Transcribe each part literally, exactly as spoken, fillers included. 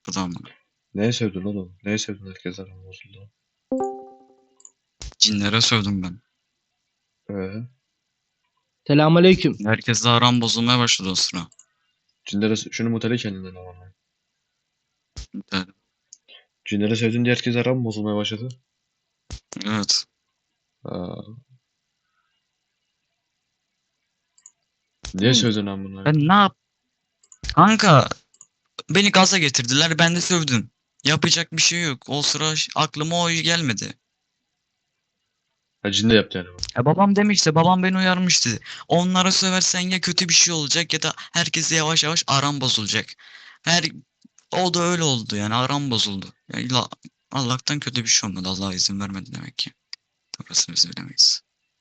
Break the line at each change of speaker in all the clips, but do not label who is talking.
Bu da amına.
Neye sövdün oğlum? Neye sövdün herkes aram bozuldu?
Cinlere sövdüm ben.
Ee,
Selamünaleyküm.
Herkesle aram bozulmaya başladı o sıra.
Cinlere şunu mutele kendinden ama.
Evet.
Cinlere sövdün diye herkes aram bozulmaya başladı.
Evet.
Aa, niye sövdün amına?
Ben ne yap? Kanka beni gaza getirdiler, ben de sövdüm. Yapacak bir şey yok. O sıra ş- aklıma o gelmedi.
Ha cin de yaptı yani bu.
E babam demişti, babam beni uyarmıştı. Onlara söversen ya kötü bir şey olacak ya da herkese yavaş yavaş aram bozulacak. Her o da öyle oldu yani, aram bozuldu. Ya illa- Allah'tan kötü bir şey olmadı. Allah izin vermedi demek ki. Orasını biz bilemeyiz.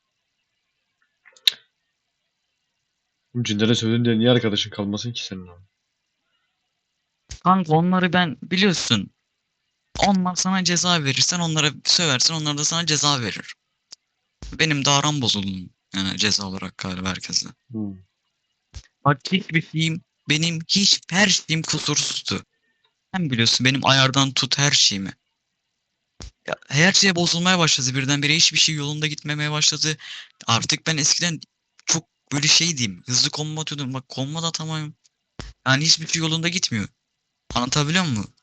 Oğlum cinlere sövdün diye niye arkadaşın kalmasın ki senin ama?
Kanka onları ben biliyorsun. Onlar sana ceza verirsen, onlara söversen, onlar da sana ceza verir. Benim de aram bozuldu. Yani ceza olarak galiba herkesle.
Hmm.
Bak hiçbir şeyim, benim hiç her şeyim kusursuzdu. Sen biliyorsun benim ayardan tut her şeyimi. Ya, her şey bozulmaya başladı birdenbire, hiçbir şey yolunda gitmemeye başladı. Artık ben eskiden çok böyle şey diyeyim, hızlı kombo atıyordum. Bak kombo da atamıyorum. Yani hiçbir şey yolunda gitmiyor. Anlatabiliyor muyum?